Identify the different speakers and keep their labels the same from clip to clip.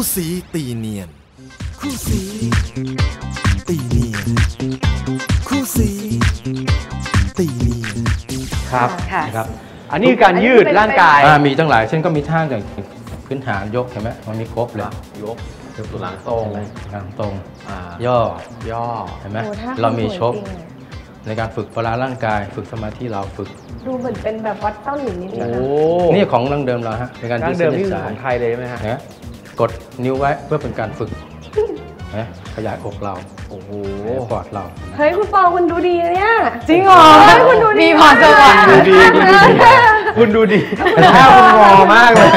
Speaker 1: สีตีเนียนคู่สีตีเนียนคู่สีตีเนียน
Speaker 2: ครับ
Speaker 3: นะครับ
Speaker 2: อันนี้คือการยืดร่างกาย
Speaker 3: มีตั้งหลายเช่นก็มีท่าอย่างพื้นฐานยกเห็นไหมมันมีครบเลย
Speaker 2: ยกตัวหลังตรง
Speaker 3: หลังตรงย่อเห็นไหมเรามีชกในการฝึกพละร่างกายฝึกสมาธิเราฝึก
Speaker 4: ดูเหมือนเป็นแบบวัดเต้าหลินนิดนึง
Speaker 3: นี่ของดั้งเดิมเราฮะในการยืดเส้นยืดสาย
Speaker 2: ของไทยเลยใช่ไหมฮะ
Speaker 3: กดนิ้วไว้เพื่อเป็นการฝึกขยายอกเรา
Speaker 2: โอ้โห
Speaker 3: ปอดเรา
Speaker 4: เฮ้ยคุณปอคุณดูดีเนี่ย
Speaker 2: จริงเหรอ
Speaker 4: คุณดูดีพอจะ
Speaker 2: ดูดีคุณดูดีแค่คุณงอมากเลย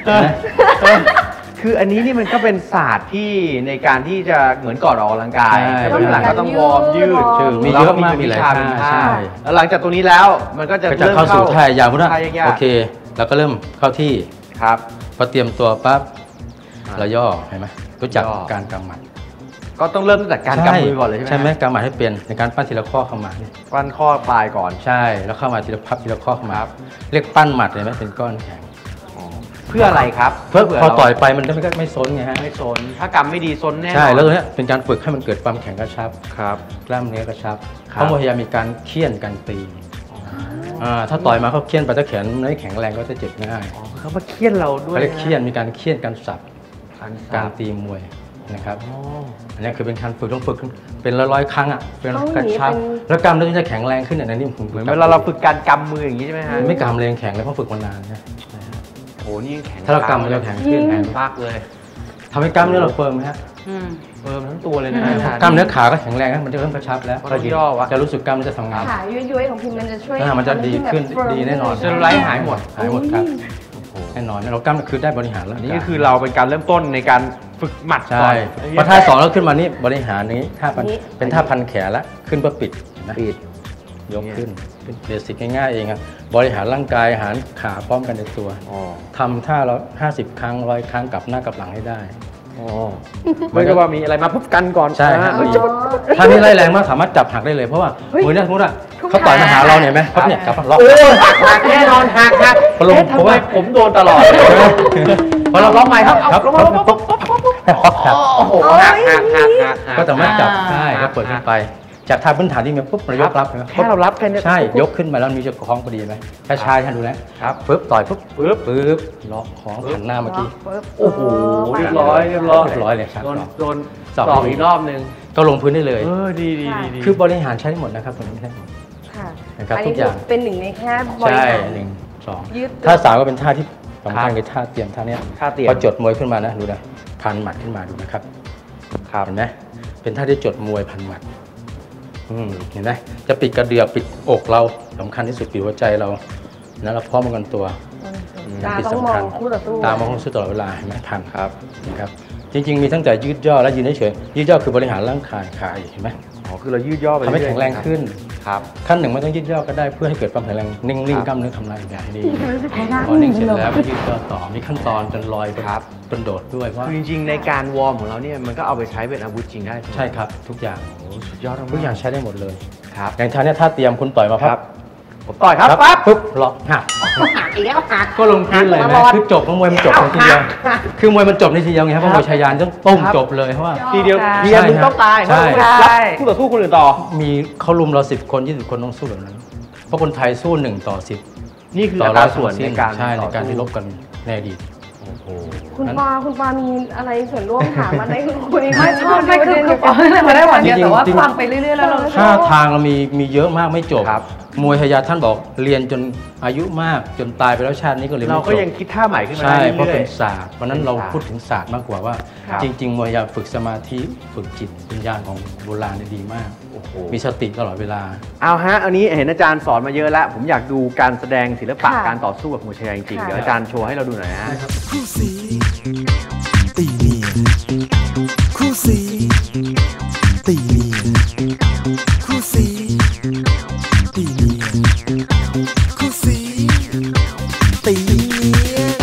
Speaker 2: คืออันนี้นี่มันก็เป็นศาสตร์ที่ในการที่จะเหมือนก่อนออกกำลังกายหลังก็ต้องวอร์มยืด
Speaker 3: มีเยอะมากมีหลายท่า
Speaker 2: แล้วหลังจากตรงนี้แล้วมันก็จะ
Speaker 3: เริ่มเข้าสู่ท่ายาวพุทธโอเคเราก็เริ่มเข้าที่
Speaker 2: ครับ
Speaker 3: พอเตรียมตัวปั๊บเราย่อเห็นไหมรู้จักการกำหมัด
Speaker 2: ก็ต้องเริ่มตั้งแต่การกำมือก่อนเลยใช่ไหม
Speaker 3: กำหมัดให้เป็นในการปั้นทีละข้อเข้ามา
Speaker 2: ปั้นข้อปลายก่อน
Speaker 3: ใช่แล้วเข้ามาทีละพับทีละข้อเข้ามาเรียกปั้นหมัดเลยไหมเป็นก้อนแข็ง
Speaker 2: เพื่ออะไรครับ
Speaker 3: เพื่อพอต่อยไปมันจะไม่ซนไงฮะ
Speaker 2: ไม่ซนถ้ากำไม่ดีซนแน่
Speaker 3: ใช่แล้วตัวนี้เป็นการฝึกให้มันเกิดความแข็งกระชับ
Speaker 2: ครับ
Speaker 3: กล้ามเนื้อกระชับเขาพยายามมีการเคี่ยนการตีถ้าต่อยมาเขาเคี่ยนไปถ้าแขนไม่แข็งแรงก็จะเจ็บง่าย
Speaker 2: เขามาเคี่ยนเราด้วย
Speaker 3: เขาเรียกเคี่ยนมีการเคี่ยนการสับการตีมวยนะครับอันนี้คือเป็นการฝึกต้องฝึกเป็นร้อยครั้งเป็นกระชับแล้วกล้ามเนื้อจะแข็งแรงขึ้นอย่างนี้ผม
Speaker 2: เหมือนเวลาเราฝึกการกำมืออย่างนี้ใช่ไหมฮะ
Speaker 3: ไม่กำเลยแข็งเลยเพราะฝึกมานานนะ
Speaker 2: โอ้นี่แข็ง
Speaker 3: ถ้าเรากำมันจะแข็งขึ้นแข็ง
Speaker 2: มากเลย
Speaker 3: ทำให้กล้ามเนื้อเราเฟิร์มไหมฮะ
Speaker 2: เฟิร์มทั้งตัวเลยนะ
Speaker 3: กล้ามเนื้อขาก็แข็งแรงนะมันจะเริ่มกระชับแล้วจะรู้สึกกล้ามมันจะทำงาน
Speaker 4: ขาย้อยๆของพิมมันจะช่วย
Speaker 3: มันจะดีขึ้นดีแน่นอน
Speaker 2: เซลลูไลท์หายหมด
Speaker 3: ครับแน่นอนเรากล้ามคือได้บริหารแล้ว
Speaker 2: นี่ก็คือเราเป็นการเริ่มต้นในการฝึกหมัด
Speaker 3: ใช่พอท่า2แล้วขึ้นมานี่บริหารนี้ท่าเป็นท่าพันแขนละขึ้นเพื่อปิดยกขึ้นเป็นเบสิกง่ายๆเองครับบริหารร่างกายหารขาพร้อมกันในตัวทำท่าเรา50 ครั้ง100 ครั้งกลับหน้ากลับหลังให้ได้
Speaker 2: ไม่ใช่ว่ามีอะไรมาปุ๊บกันก่อน
Speaker 3: ใช่ถ้านี่ไล่แรงมากสามารถจับหักได้เลยเพราะว่ามือเนี่ยสมมติเขาต่อยมาหาเราเนี่ยไหมครับเนี่ยกลับล็อก
Speaker 2: หักแน่นอนหักเพราะว่าผมโดนตลอดพอเราล็อกใหม่ครับโอ้โหหัก
Speaker 3: ก็สามารถจับได้ก็เปิดขึ้นไปจากท่าพื้นฐานที่มีปุ๊บเรายกรับ
Speaker 2: แค่เรารับแค่นี้
Speaker 3: ใช่ยกขึ้นมาแล้วมีจะคล้องพอดีไหมถ้าชายท่านดูนะครับปึ๊บต่อยปึ๊บล็อกของหันหน้าเมื่อกี้
Speaker 2: โอ้โหเรียบร้อย
Speaker 3: เลยครับ
Speaker 2: โดนสองอีกรอบนึง
Speaker 3: ก็ลงพื้นได้เลย
Speaker 2: ดี
Speaker 3: คือบริหารใช้ได้หมดนะครับผมใช่นะครับทุกอย่าง
Speaker 4: เป็นหนึ่งในแค่บริหาร
Speaker 3: 1 2ท่า3ก็เป็นท่าที่สำคัญคือท่าเตรียมท่านี้พอจดมวยขึ้นมานะดูนะพันหมัดขึ้นมาดูนะครับเห็นไหมเป็นท่าที่จดมวยพันหมัดเห็นไหมจะปิดกระเดือกปิดอกเราสำคัญที่สุดปิดหัวใจเรานะเราพร้อมกันตัว
Speaker 4: ที่สำคัญ
Speaker 3: ตามองคู่ตลอดเวลาเห็นไหมพันนะครับจริงๆมีตั้งแต่ยืดย่อและยืนเฉยยืดย่อคือบริหารร่างกายขาเห็นไหม
Speaker 2: คือเรายืดย่อไป
Speaker 3: ทำให้แข็งแรงขึ้น
Speaker 2: ครับ
Speaker 3: ขั้นหนึ่งไม่ต้องยืดย่อก็ได้เพื่อให้เกิดความแข็งแรงนิ่งๆกล้ามเนื้อทำงานอย่างดีพอนิ่งเสร็จแล้วยืดย่อต่อมีขั้นตอนจนลอยจนโดดด้วยว่า
Speaker 2: จริงๆในการวอร์มของเราเนี่ยมันก็เอาไปใช้เป็นอาวุธจริงได้
Speaker 3: ใช่ครับทุกอย่าง
Speaker 2: สุดยอด
Speaker 3: ทุกอย่างใช้ได้หมดเลย
Speaker 2: ครับ
Speaker 3: อย่างท่านี้ถ้าเตรียมคุณต่อยมาครับ
Speaker 2: ผมต่อยครับปั๊บ
Speaker 3: ปุ๊บล็อกหัก
Speaker 4: อีกแล้วหัก
Speaker 3: ก็ลงพื้นเลยนะคือจบมวยมันจบทีเดียวคือมวยมันจบในทีเดียวไงเพราะมวยชายานต้องต้มจบเลยเพราะว่า
Speaker 2: ทีเดียวมึงต้องตาย
Speaker 3: ใช่
Speaker 2: คู่ต่อสู้คนอื่นต่อ
Speaker 3: มีเขาลุมเรา10 คน20 คนต้องสู้แบบนั้นเพราะคนไทยสู้1 ต่อ 10
Speaker 2: นี่คืออัตราส่วนใน
Speaker 3: การที่ลบกันในอดีต
Speaker 4: คุณปามีอะไรส่วนร่วมถามมาได้คุย
Speaker 5: ไม่ชอบไม่คือปาไม่ได้หวานเดียวแต่ว่าฟังไปเรื่อยๆแล้วเรา
Speaker 3: ท่าทางเรามีเยอะมากไม่จบมวยทยาท่านบอกเรียนจนอายุมากจนตายไปแล้วชาตินี้ก็เรียนไม่จบ
Speaker 2: เราก็ยังคิดท่าใหม่ขึ้นมา
Speaker 3: ใช่เพราะเป็นศาสตร์เพราะนั้นเราพูดถึงศาสตร์มากกว่าว่าจริงๆมวยทยาฝึกสมาธิฝึกจิตวิญญาณของโบราณดีมากมีสติตลอดเวลา
Speaker 2: เอาฮะอันนี้เห็นอาจารย์สอนมาเยอะแล้วผมอยากดูการแสดงศิลปะการต่อสู้กับมวยชายาจริงๆเดี๋ยวอาจารย์โชว์ให้เราดูหน่อยฮะ
Speaker 1: คู่สีตีเนียนคู่สีตีเนียนคู่สีตีเนียนคู่สีตีเนียน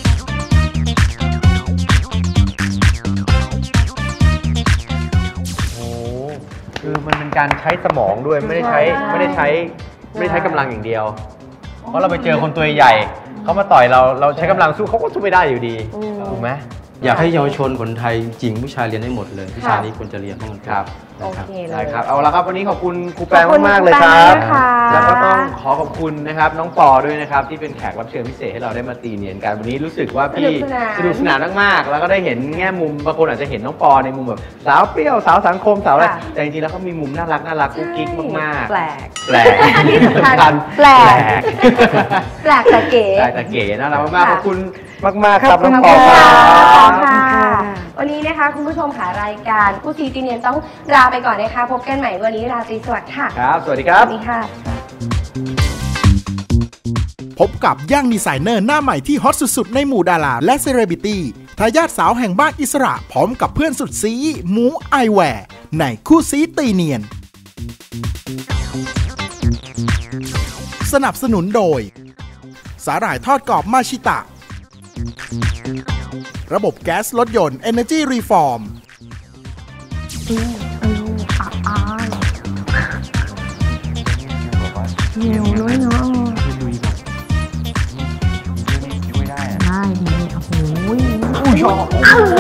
Speaker 2: โอ้คือมันเป็นการใช้สมองด้วยไม่ได้ใช้กำลังอย่างเดียวเพราะเราไปเจอคนตัวใหญ่เขามาต่อยเราใช้กำลังสู้เขาก็สู้ไม่ได้อยู่ดีถูกไหม
Speaker 3: อยากให้เยาวชนคนไทยจริงผู้ชายเรียนได้หมดเลยวิชานี้ควรจะเรียนทั้งหมด
Speaker 2: ครับ
Speaker 4: โอเคเล
Speaker 2: ได้
Speaker 4: ย
Speaker 2: ครับเอาละครับวันนี้ขอบคุณครูแปง
Speaker 4: ขอบคุณ
Speaker 2: มากๆเลย
Speaker 4: ครู
Speaker 2: ค
Speaker 4: แป
Speaker 2: รั
Speaker 4: ง
Speaker 2: บ
Speaker 4: นะคะ
Speaker 2: แล้วก็ต้องขอขอบคุณนะครับน้องปอด้วยนะครับที่เป็นแขกรับเชิญพิเศษให้เราได้มาตีเนียนกันวันนี้รู้สึกว่าพี่สนุกสนานมากๆแล้วก็ได้เห็นแง่มุมบางคนอาจจะเห็นน้องปอในมุมแบบสาวเปรี้ยวสาวสังคมสาวอะไรแต่จริงๆแล้วเขามีมุมน่ารักกุ๊กกิ๊กมากๆ
Speaker 5: แปลก
Speaker 2: แปลก
Speaker 4: ที่สำคัญแปลก แปลกแต่เก๋
Speaker 2: แปลกแต่เก๋น่ารักมากๆขอบคุณมากๆค
Speaker 4: ข
Speaker 2: รั
Speaker 4: อ
Speaker 2: บบ
Speaker 4: คุ
Speaker 2: น้
Speaker 4: ณ
Speaker 2: องปอ
Speaker 4: ค่ะ
Speaker 2: ครับ
Speaker 4: ค่ะ วันนี้นะคะคุณผู้ชมค่ะรายการคู่ซีตีเนียนต้องลาไปก่อนนะคะ พบกันใหม่วันนี้ราตรีสวัสดิ์ค่ะ
Speaker 2: ครับสวัสดีครั
Speaker 4: ส
Speaker 2: บ
Speaker 4: วัสดีค่ะ
Speaker 1: พบกับย่างดีไซเนอร์หน้าใหม่ที่ฮอตสุดๆในหมู่ดาราและเซเลบริตี้ทายาทสาวแห่งบ้านอิสระพร้อมกับเพื่อนสุดซีหมูไอแวร์ในคู่ซีตีเนียน สนับสนุนโดยสาหร่ายทอดกรอบมาชิตะ ระบบแก๊สรถยนต์ Energy Reform
Speaker 4: เหนียวด้วยเนาะได้ดีโอ้โห